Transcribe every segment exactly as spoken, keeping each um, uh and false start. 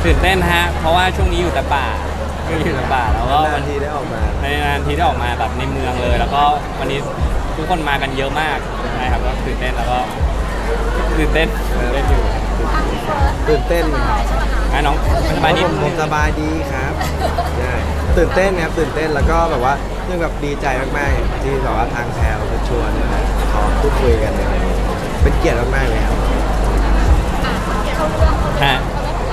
ตื่นเต้นฮะเพราะว่าช่วงนี้อยู่แต่ป่าช่วงนี้อยู่แต่ป่าแล้วก็นานทีได้ออกมาในนานทีได้ออกมาแบบในเมืองเลย แล้วก็วันนี้ทุกคนมากันเยอะมากนะครับก็ตื่นเต้นแล้วก็ตื่นเต้นตื่นเต้นอยู่ตื่นเต้นครับอ่ะน้องสบายดีผมผมสบายดีครับใช่ตื่นเต้นครับตื่นเต้นแล้วก็แบบว่ายังแบบดีใจมากๆที่แบบว่าทางแพลวจะชวนขอพูดคุยกันอะไรอย่างเงี้ยเป็นเกียรติมากๆเลยครับฮะ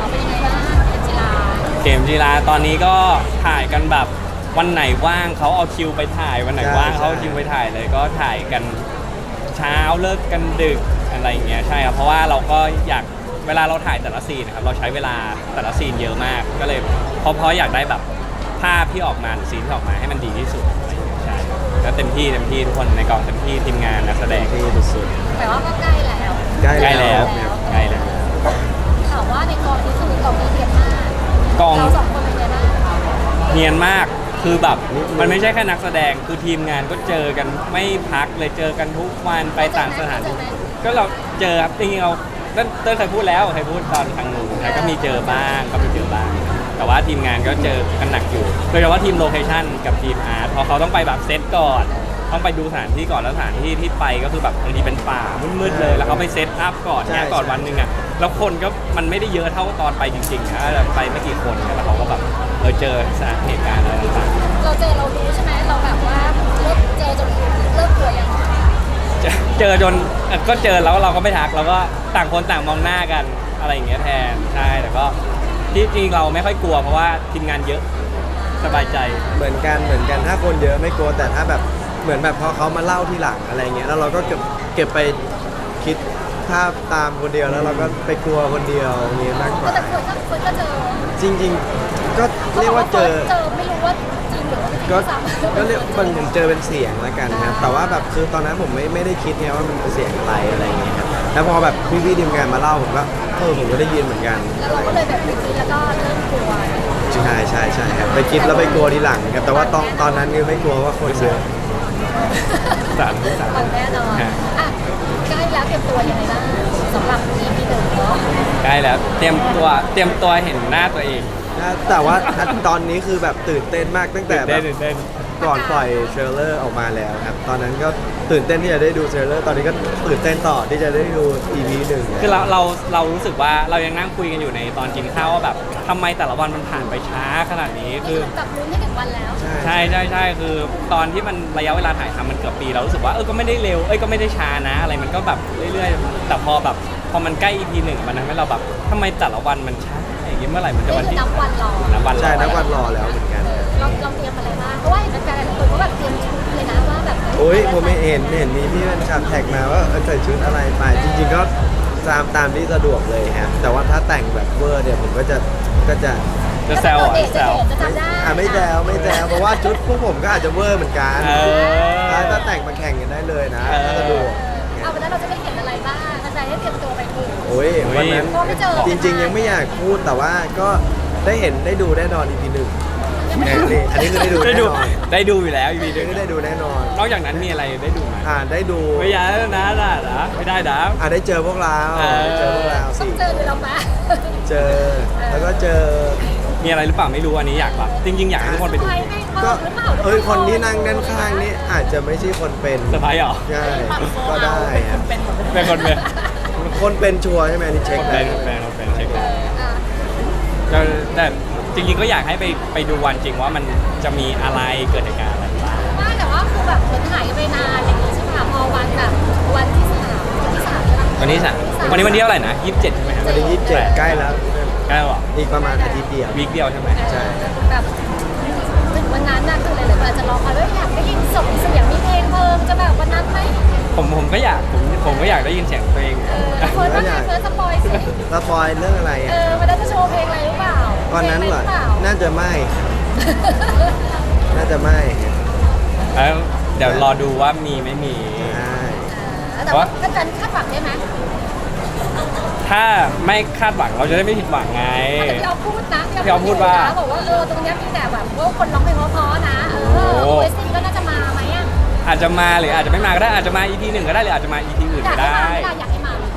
เกมจีราตอนนี้ก็ถ่ายกันแบบวันไหนว่างเขาเอาคิวไปถ่ายวันไหนว่างเขาเอาคิวไปถ่ายเลยก็ถ่ายกันเช้าเลิกกันดึกอะไรอย่างเงี้ยใช่ครับเพราะว่าเราก็อยากเวลาเราถ่ายแต่ละซีนนะครับเราใช้เวลาแต่ละซีนเยอะมากก็เลยเพราะเพราะอยากได้แบบภาพที่ออกมาหรือซีนที่ออกมาให้มันดีที่สุดอะไรอย่างเงี้ยใช่ก็เต็มที่เต็มที่ทุกคนในกองเต็มที่ทีมงานนักแสดงที่สุดแต่ว่าก็ใกล้แล้วๆใกล้ใกล้แล้วใกล้แล้วถามว่าในกองนี้คือกองนี้เดียดมากกองเราสองคนเป็นไงบ้างเนียนมาก คือแบบมันไม่ใช่แค่นักแสดง คือทีมงานก็เจอกันไม่พักเลยเจอกันทุกวันไปต่างสถานที่ก็เราเจอครับจริงๆเราเต้นเต้นเคยพูดแล้วเคยพูดตอนทางนู้นแต่ก็มีเจอบ้างก็มีเจอบ้าง แต่ว่าทีมงานก็เจอกันหนักอยู่ โดยเฉพาะทีมโลเคชั่นกับทีมอาร์ตพอเขาต้องไปแบบเซตก่อน ต้องไปดูสถานที่ก่อนแล้วสถานที่ที่ไปก็คือแบบบางทีเป็นป่ามืดๆเลย แล้วเขาไปเซตอัพก่อนเนี่ยก่อนวันหนึ่งอ่ะ แล้วคนก็มันไม่ได้เยอะเท่าตอนไปจริงๆนะไปไม่กี่คนแล้วเขาก็แบบเออเจอสถานเหตุการณ์อะไรต่างเราเจอเรารู้ใช่ไหมเราแบบว่าเลิกเจอจนเลิกกลัวยังๆเจอเจอจนเอ่อก็เจอแล้วเราก็ไม่ทักเราก็ต่างคนต่างมองหน้ากันอะไรอย่างเงี้ยแทนใช่แต่ก็ที่จริงเราไม่ค่อยกลัวเพราะว่าทีมงานเยอะสบายใจเหมือนกันเหมือนกันถ้าคนเยอะไม่กลัวแต่ถ้าแบบเหมือนแบบพอเขามาเล่าทีหลังอะไรเงี้ยแล้วเราก็เก็บเก็บไปคิดภาพตามคนเดียวแล้วเราก็ไปกลัวคนเดียวอย่างนี้มากกว่าแต่คนก็คนก็เจอจริงๆก็เรียกว่าเจอเจอไม่รู้ว่าจริงหรือว่าไม่จริงก็ซ้ำก็เรียกมันผมเจอเป็นเสียงแล้วกันครับแต่ว่าแบบคือตอนนั้นผมไม่ไม่ได้คิดไงว่ามันเป็นเสียงอะไรอะไรเงี้ยครับแล้วพอแบบพี่ๆทีมงานมาเล่าผมก็เออผมก็ได้ยินเหมือนกันแล้วเราก็เลยแบบไปคิดแล้วก็เริ่มกลัวใช่ใช่ใช่ครับไปคิดแล้วไปกลัวทีหลังครับแต่ว่าตอนตอนนั้นคือไม่กลัวว่าคนเยอะสามสามฟังแน่นอนอ่ะใกล้แล้วเตรียมตัวยังไงบ้างสำหรับ อี พี หนึ่งเนาะใกล้แล้วเตรียมตัวเตรียมตัวเห็นหน้าตัวเองนะแต่ว่าตอนนี้คือแบบตื่นเต้นมากตั้งแต่แบเต้บนตื่นเต้นก่อนปล่อยเทรลเลอร์ออกมาแล้วครับตอนนั้นก็ตื่นเต้นที่จะได้ดูเทรลเลอร์ตอนนี้ก็ตื่นเต้นต่อที่จะได้ดู อี พี หนึ่งคือเราเราเรารู้สึกว่าเรายังนั่งคุยกันอยู่ในตอนกินข้าวว่าแบบทำไมแต่ละวันมันผ่านไปช้าขนาดนี้นี่คือคือกับลุ้นให้ถึงวันแล้วใช่ใช่ใช่คือตอนที่มันระยะเวลาถ่ายทำมันเกือบปีเรารู้สึกว่าเออก็ไม่ได้เร็วเอ้ยก็ไม่ได้ช้านะ อะไรมันก็แบบเรื่อยๆแต่พอแบบพอมันใกล้ อี พี หนึ่งมันทำให้เราแบบทำไมแต่ละวันมันช้าอย่างงี้เมื่อไหร่มันจะนี่วันคือที่นับวันรอนับวันรอใช่นับวันรอแล้วเหมือนกันเออเราเราเตรียมอะไรบ้างเพราะว่าเห็นแฟนๆหลายคนก็แบบเตรียมชุดเลยนะว่าแบบโอ้ยผมไม่เห็นเห็นมีพี่มันชาแท็กมาว่าเออใส่ชุดอะไรไปจริงๆก็ตามตามที่สะดวกเลยครับแต่ว่าถ้าแต่งแบบเวอร์เนี่ยผมก็จะก็จะจะแซวอ่ะจะแซวจะจำได้อ่ะไม่แซวไม่แซวเพราะว่าชุดพวกผมก็อาจจะเวอร์เหมือนกันเออถ้าแต่งมาแข่งกันได้เลยนะเออถ้าสะดวกเอาวันนั้นเราจะได้เห็นอะไรบ้างแฟนๆได้เตรียมตัวไปดูโอ้ยวันนั้นเพราะไม่เจอจริง ๆ ยังไม่อยากพูดแต่ว่าก็ได้เห็นได้ดูแน่นอน อี พี หนึ่งนี่อันนี้คือได้ดูได้แน่ดูนอนได้ดูอยู่แล้วอี พีอันนี้ได้ดูแน่นอนนอกจากนั้นมีอะไรได้ดูไหมอ่าได้ดูไม่อยากนะนะนะไม่ได้นะอ่าได้เจอพวกเราเออได้เจอพวกเราต้อสิงเจอหรือเรามาเจอแล้วก็เจอมีอะไรหรือเปล่าไม่รู้อันนี้อยากแบบจริงๆอยากให้ทุกคนไปดูใครไม่บก็อกหรือเปล่าเอ้ยคนที่นั่งด้านข้างนี่อาจจะไม่ใช่คนเป็นเซอร์ไพรส์เหรอใช่ก็ได้ครับเป็นหมดเลยเป็นคนเป็นคนเป็นชัวร์ใช่ไหมอันนี่เช็คคนเลเป็ยนคนเป็นคนเป็นเช็คเอแล้วออ่ะก็แต่จริงๆก็อยากให้ไปไปดูวันจริงว่ามันจะมีอะไรเกิดเหตุการณ์อะไรบ้างไม่แต่ว่าคือแบบเหมือนหายไปนานอย่างนี้ใช่ไหมคะพอวันแบบวันที่สามวันที่สามใช่ไหมวันนี้สามวันนี้วันที่เท่าไหร่นะยี่สิบเจ็ดใช่ไหมครับวันที่ยี่สิบเจ็ดใกล้แล้วใกล้แล้วเหรออีกประมาณอาทิตย์เดียววีคเดียวใช่ไหมใช่แบบถึงวันนั้นน่ะคือหลายๆคนอาจจะรอคอยว่าอยากได้ยินส่งเสียงมีเพลงเพิ่มจะแบบวันนั้นไหมผมผมก็อยากผมผมก็อยากได้ยินเสียงตัวเองเออเฟิร์สว่าไงเฟิร์สสปอยสิสปอยเรื่องอะไรเออ่ะอวันนั้นจะโชว์เพลงอะไรหรือเปล่าวันนั้นเหรอพลงะไปล่าน่าจะไม่ น่าจะไม่แล้วเดี๋ยวรอดูว่ามีไม่มีใช่เออแต่ว่าก็การคาดหวังได้ไหมถ้าไม่คาดหวังเราจะได้ไม่ผิดหวังไงแต่พี่เอาพูดนะพี่เอาพูดว่าบอกว่าเออตรงเนี้ยมีแต่แบบว่าคนร้องเพลงเพราะๆนะเออโอ้โอเอสซีก็น่าจะมาไหมอ่ะอาจจะมาหรืออาจจะไม่มาก็ได้อาจจะมา อี พี หนึ่งก็ได้หรืออาจจะมา อี พี อื่นอยาก็กให้ได้มาอยากให้มา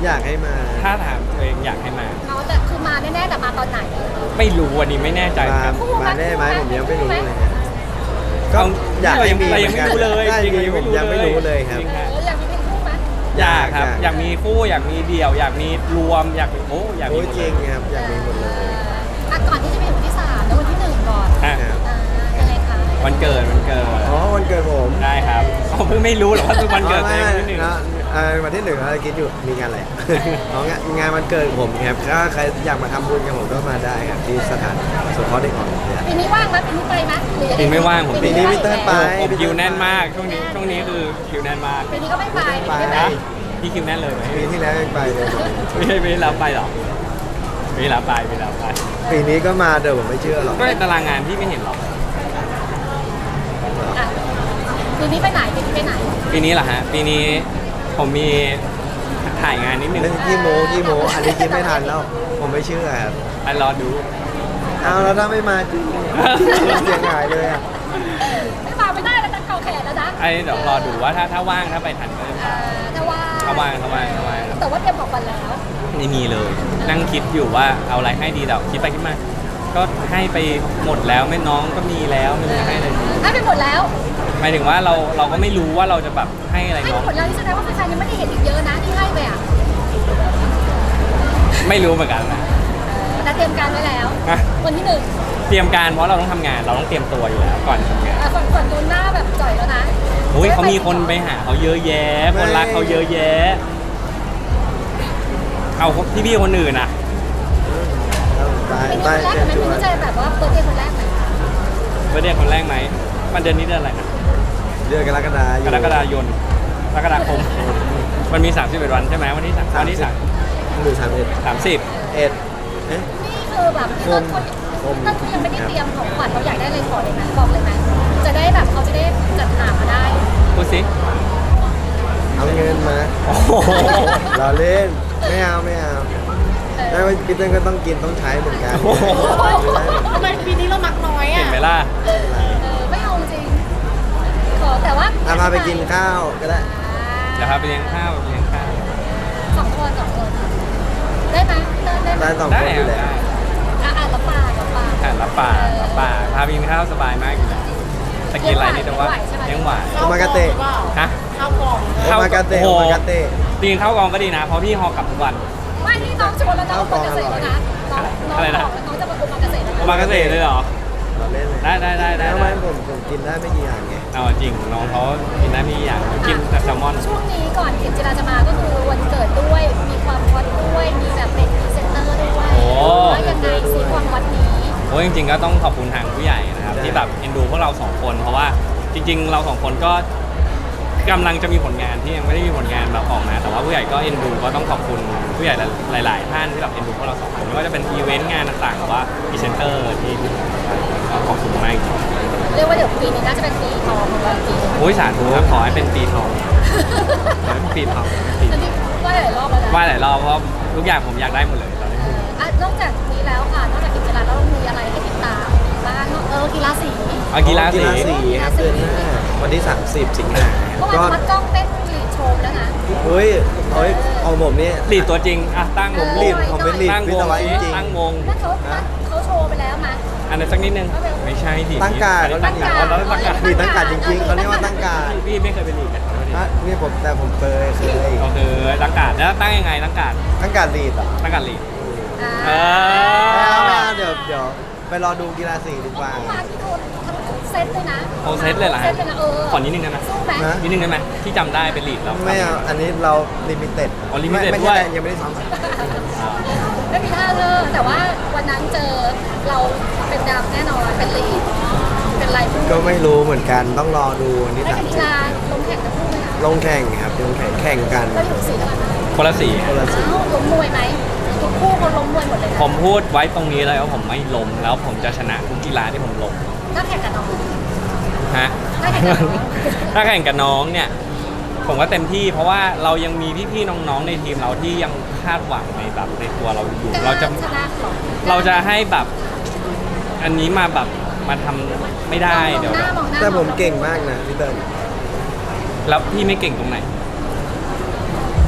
อยากให้มาถ้าถามตัวเองอยากให้มาเขาแต่คือมาแน่ๆแต่มาตอนไหนไม่รู้วันนี้ไม่แน่ใจมาครับมาได้ไหมผมยังไม่รู้เลยฮะก็เอาอยากให้มีเรายังไม่รู้เลยได้จริงๆมีผมยังไม่รู้เลยครับจริงๆเอออยากมีเพลงคู่ไหมอยากครับอยากอยากมีคู่อยากมีเดี่ยว อยากมีรวม อยากมีโอ้อยากมีโอ้ยหมดจเลริยงครับอยากมีหมดเลยอ่ะก่อนที่จะไปถึงวันที่สามแล้ววันที่หนึ่งก่อนอ่ะครับอ่ายังไงคะวันเกิดวันเกิดอ๋อวันเกิดผมได้ครับเขาเพิ่งไม่รู้หรอกว่าคือวันเกิดตัวเองวันที่หนึ่งนะเอ่อวันที่หนึ่งเราคิดอยู่มีงานอะไร อ๋องานงานวันเกิดผมครับถ้าใครอยากมาทำบุญกับผมก็มาได้ครับที่สถานสงเคราะห์เด็กอ่อนเนี่ยปีนี้ว่างไหมปีนี้ไปไหมหรือยังปีงไม่ว่างผมปีนี้พี่เติ้ลไปผมคิวแน่นมากช่วงนี้ช่วงนี้คือคิวแน่นมากปีนี้ก็ไม่ไปไปไม่ไปนะพี่คิวแน่นเลยไหมปีที่แล้วยังไปเลยไม่ใช่ไม่รับไปหรอไม่รับไปไม่รับไปปีนี้ก็มาเดี๋ยวผมไม่เชื่อหรอกก็ในตารางงานพี่ไม่เห็นหรอกอ่ะปีนี้ไปไหนปีนี้ไปไหนปีนี้เหรอฮะปีนี้ผมมีถ่ายงานนิดนึงเรื่องขี้โม้ขี้โม้อันนี้คิดไม่ทันแล้ว ผมไม่เชื่อครับไปรอดูเอาแล้วถ้าไม่มาจริงเสียงหายเลยอ่ะไม่มาไม่ได้แล้วจะเกาแขนแล้วนะไอ้เดี๋ยวรอดูว่าถ้าถ้าว่างถ้าไปทันก็จะอ่าไปถ้าว่าถ้าว่างถ้าว่างถ้าว่างแต่ว่าเตรียมของวันแล้วไม่มีเลย นั่งคิดอยู่ว่าเอาอะไรให้ดีแต่คิดไปคิดมา ก็ให้ไปหมดแล้วไม่น้องก็มีแล้วไม่รู้จะให้อะไรดีให้ไปหมดแล้วหมายถึงว่าเราเราก็ไม่รู้ว่าเราจะแบบให้อะไรให้น้ไปองหมดแล้วนี่แสดงว่าแฟนๆยังไม่ได้เห็นอีกเยอะนะที่ให้ไปอ่ะไม่รู้เหมือนกันนะแต่เตรียมการไว้แล้วฮะวันที่หนึ่งเตรียมการเพราะเราต้องทำงานเราต้องเตรียมตัวอยู่แล้วก่อนทำงานอ่ะฝนฝนดูหน้าแบบจ่อยแล้วนะโอ้ยเขามีคนไปหาเขาเยอะแยะ คนรักเขาเยอะแยะ เอาพี่พี่ๆคนอื่นอ่ะตายปีนี้ตายคนแรกเจ็บไหมชปีวนี้นจะแบบว่าเปิดเดย์คนแรกไหมเบอร์เดย์คนแรกไหมมันเดือนนี้เดือนอะไรนะเดือนกรกฎาคมกรกฎายนกรกฎาคม มันมีสามสิบเอ็ดวันใช่ไหมวันที่สามวันที่สามหรือสามเอ็ดสามสิบเอ็ดเอ๊ะนี่คือแบบพี่ต้นเขาผมพี่ต้นเขายังไม่ได้เตรียมของขวัญเขาอยากได้อะไรขอเลยไหมบอกเลยไหมจะได้แบบเขาจะได้จัดหามาได้พูดสิเอาเงินมาโอ้โหเราเล่นไม่เอาไม่เอาได้ว่าพี่เต้นก็ต้องกินต้องใช้เหมือนกันโอ้โหทำไมปีนี้เรามักน้อยเห็อ่ะนไหมล่ะเออไม่เอาจริงขอแต่ว่าเอาพาไปกินข้าวก็ได้เดี๋ยวพาไปเลี้ยงข้าวเลี้ยงข้าวสองคนสองคนได้ไหมเติมได้ไหมได้สองได้คนอยู่ได้แล้วอ่ะอ่ะรับปากรับปากอ่ะรับปากรับปากพาไปกินข้าวสบายมากอยู่แล้วแต่กินอะไรนี่แต่ว่าเลี้ยงหวานโอมากาเตะฮะข้าวกล่องโอมากาเตะโอ้โอโหมากาเตะตีนข้าวกองก็ดีนะ เพราะพี่ฮอกลับทุกวันไม่นี่น้องชวนแล้วน้องคนเกษตรแล้วนะน้องน้องอะไรนะบอกแล้วน้องจะมาคุมมาเกษตรแล้วโอนะมากาเสะเลยเหรอเราเล่นเลยได้ได้ได้ได้ทำไมผมผมกินได้ไม่กี่อย่างไงเอาจริงน้องเขากินได้ไม่กี่อย่างกินแต่แซลมอนช่วงนี้ก่อนเข็มจิราจะมาก็คือวันเกิดด้วย มีความฮอตด้วย มีแบบเป็นพรีเซนเตอร์ด้วยโอ้ว่ายังไงซีความฮอตนี้โอ้ยจริงๆก็ต้องขอบคุณทางผู้ใหญ่นะครับที่แบบเอ็นดูพวกเราสองคน เพราะว่าจริง ๆ เราสองคนก็กำลังจะมีผลงานที่ยังไม่ได้มีผลงานแบบออกมาแต่ว่าผู้ใหญ่ก็เอ็นดูก็ต้องขอบคุณผู้ใหญ่หลาย ๆ ท่านที่แบบเอ็นดูพวกเราสองคนไม่ว่าจะเป็นอีเวนต์งานต่างๆหรือว่าพรีเซนเตอร์ที่ก็ขอบคุณมากจริงเรียกว่าเดี๋ยวปีนี้น่าจะเป็นปีทองของเราจริงโอ้ยสาธุครับขอให้เป็นปีทองขอให้เป็นปีทองปีอันนี้ว่าหลายรอบแล้วนะว่าหลายรอบเพราะทุกอย่างผมอยากได้หมดเลยตอนนี้อ่ะนอกจากนี้แล้วค่ะ นอกจากเข็มจิราแล้วเรามีอะไรให้ติดตามบ้างเออกีฬาสีเอากีฬาสีกีฬาสีครับเดือนหน้าวันที่ สามสิบ สิงหาเมื่อก็วานมัดกล้องเต้นลีดโชว์แล้วนะเฮ้ยเฮ้ยเอาผมนี่ลีดตัวจริงอ่ะตั้งวงลีดผมเป็นลีดตั้งวิวศงวะจสิริงตั้งวงนั่นเขาเขาโชว์ไปแล้วมาอันนั้นสักนิดนึงไม่ใช่ทีตั้งการตั้งการตั้งการเราตั้งการลีดตั้งการจริงๆเขาเรียกว่าตั้งการพี่ไม่เคยเป็นลีดนะฮะนี่ผมแต่ผมเคยเคยก็คือตั้งการแล้วตั้งยังไงตั้งการตั้งการลีดอ่ะตั้งการลีดอ่าเอไม่เอาไม่อเอาเดี๋ยวเดี๋ยวไปรอดูกีฬาสีดีกว่าเมื่อวานที่โดนทั้งเซตเลยนะโอเซตเลยเหรอเซตเลยนะเออขอนิดนึงได้ไหมสู้ไหมนะนิดนึงได้ไหมที่จำได้เป็นลีดแล้วไม่เอาอันนี้เราลิมิเต็ดอ๋อ limited ไม่ด้วใช่ยยังไม่ได้ซ้อมอ่าไม่มีท่าเลยแต่ว่าวันนั้นเจอเราเป็นดำแน่นอนเป็นลีดเป็นไรพูดก็ไม่รู้เหมือนกันต้องรอดูวันที่ไม่สาเป็มนกีสิบฬาลงแข่งกันพูดไหมคะลงแข่งครับลงแข่งแข่งกันเราอยู่สีอะไรนะคนละสีคนละสีอ้าวล้มมวยไหมทุกคู่คนล้มมวยหมดเลยนะผมพูดไว้ตรงนี้เลยว่าผมไม่ล้มแล้วผมจะชนะทุกกีฬาที่ผมลงถ้าแข่งกับน้องฮะถ้าแข่งกับน้องถ้าแข่งกับน้องเนี่ย ผมก็เต็มที่เพราะว่าเรายังมีพี่ๆน้องๆในทีมเราที่ยังคาดหวังในแบบในตัวเราอยู่ เราจะชนะหรอเราจะให้แบบอันนี้มาแบบมาทำไม่ได้เดี๋ยวมองหน้ามองหน้าแต่ผมเก่งมากนะพี่เติ้ลแล้วพี่ไม่เก่งตรงไหน พี่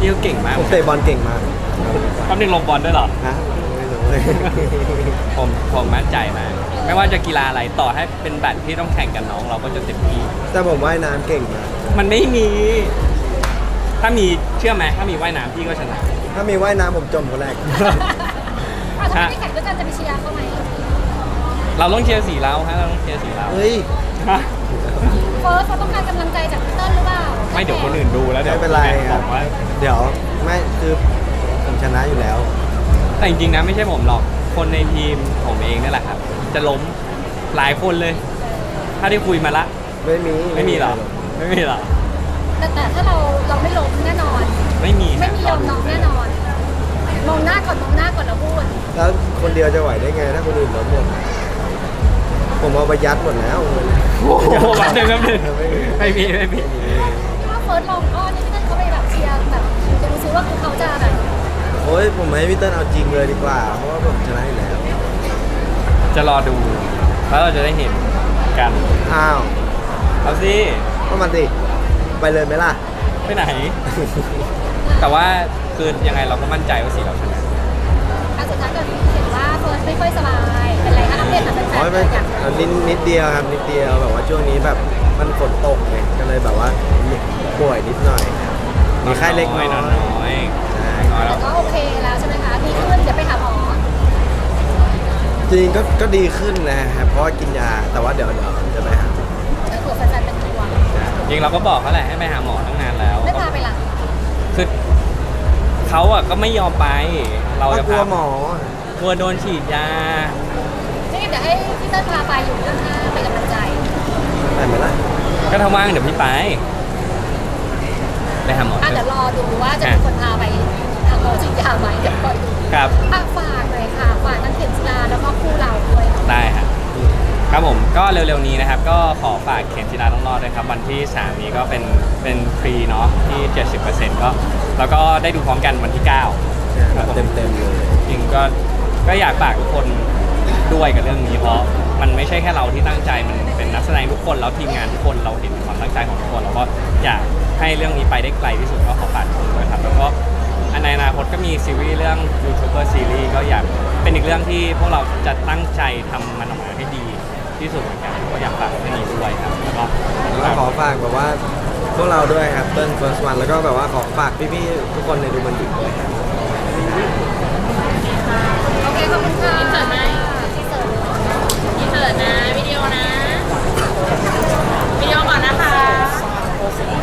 พี่เขาเก่งมากผมเตะบอลเก่งมากคำนึงลงบอลด้วยเหรอฮะไม่รู้เลยผมผมมั่นใจมากไม่ว่าจะกีฬาอะไรต่อให้เป็นแบดที่ต้องแข่งกับน้องเราก็จะเต็มที่แต่ผมว่ายน้ำเก่งมากมันไม่มี ถ้ามีเชื่อไหมถ้ามีว่ายน้ำพี่ก็ชนะถ้ามีว่ายน้ำผมจมคนแรกอ่ะถ้าไม่ได้แข่งด้วยกันจะไปเชียร์เขาไหมเราต้องเชียร์สีเราฮะเราต้องเชียร์สีเราเฮ้ยฮะเฟิร์สเขาต้องการกำลังใจจากพี่เติ้ลหรือเปล่าไม่เดี๋ยวคนอื่นดูแล้วเดี๋ยวไม่เป็นไรบครัอบ กว่าเดี๋ยวไม่คือผมชนะอยู่แล้วแต่จริงๆนะไม่ใช่ผมหรอกคนในทีมผมเองนี่แหละครับ จะล้มหลายคนเลย ถ้าได้คุยมาละไม่มีไม่มีหรอไม่มีหรอแต่แต่ถ้าเราเราไม่ล้มแน่นอนไม่มีไม่มียอมน้องแน่นอน มองหน้าก่อนมองหน้าก่อนแล้วพูดแล้วคนเดียวจะไหวได้ไงถ้าคนอื่นล้มหมดผมเอาไปยัดหมดแล้วโอ้โหแป๊บนึงแป๊บนึงไม่มีไม่มีไม่มีถ้าเฟิร์สลองอ้อนนี่พี่เติ้ลเขาไปแบบเชียร์แบบดูซิว่าเขาจะแบบโอ้ยผมให้พี่เติ้ลเอาจริงเลยดีกว่า เพราะว่าผมชนะอยู่แล้วจะรอดูแล้วเราจะได้เห็นกันอ้าวเอาสิก็มาสิไปเลยไหมล่ะไปไหน แต่ว่าคือยังไงเราก็มั่นใจว่าสีเราชนะอันสุดท้ายก็เห็นว่าเฟิร์สไม่ค่อยสบายเป็นไรคะอัปเดตหน่อยเป็นแฟอ๋อน ไม่อยากเอานิดนิดเดียวครับนิดเดียวแบบว่าช่วงนี้แบบมันฝนตกไงก็เลยแบบว่าป่วยนิดหน่อยครับมีไข้เล็กน้อยนอนน้อยใช่น้อยแล้แต่วก็โอเคแล้วใช่ไหมคะดีขึ้นเดี๋ยวไปหาหมอจริงๆก็ก็ดีขึ้นนะครับเพราะว่ากินยาแต่ว่าเดี๋ยวเดี๋ยวจะไปหาก็คือแฟนๆเป็นห่วงจริงเราก็บอกเขาแหละให้ไปหาหมอตั้งนานแล้วไม่พาไปหลังคือเขาอ่ะก็ไม่ยอมไป เราก็จะกลัวพาหมอกลัวโดนฉีดยานี่เดี๋ยวให้พี่เติ้ลพาไปอยู่ข้างๆไปกำลังใจไปไหมล่ะก็ถ้าว่างเดี๋ยวพี่ไปไปหาหมออ่ะเถเดี๋ยวอะรอดูว่าจะมีคนพาไปทางโมจิยาไหมเดี๋ยวคอยดูครับอ่ะฝากเลยค่ะฝากทั้งเข็มจีราแล้วก็คู่เราด้วยได้ครับครับผมก็เร็วๆนี้นะครับ ก็ขอฝากเข็มจีราต้องรอดด้วยครับ วันที่สามนี้ก็เป็นเป็นฟรีเนาะที่ เจ็ดสิบเปอร์เซ็นต์ ก็แล้วก็ได้ดูพร้อมกันวันที่เก้า ครับผมเต็มเต็มๆเลยจริงก็ก็อยากฝากทุกคนด้วยกับเรื่องนี้เพราะมันไม่ใช่แค่เราที่ตั้งใจมันเป็นนักแสดงทุกคนแล้วทีมงานทุกคนเราเห็นความตั้งใจของทุกคนเราก็อยากให้เรื่องนี้ไปได้ไกลที่สุดก็ขอฝากทุกคนด้วยครับแล้วก็ในอนาคตก็มีซีรีส์เรื่องยูทูบเบอร์ซีรีส์ก็อยากเป็นอีกเรื่องที่พวกเราจะตั้งใจทำมันออกมาให้ดีที่สุดเหมือนกันก็อยากฝากเรื่องนี้ด้วยครับแล้วก็แล้วขอฝากแบบว่าพวกเราด้วยครับเติ้ลเฟิร์สวันแล้วก็แบบว่าขอฝากพี่ๆทุกคนในดูมันดิด้วยครับโอเคขอบคุณค่ะอินเสิร์ตไหมอินเสิร์ตอินเสิร์ตนะ วิดีโอนะ วิดีโอก่อนนะคะ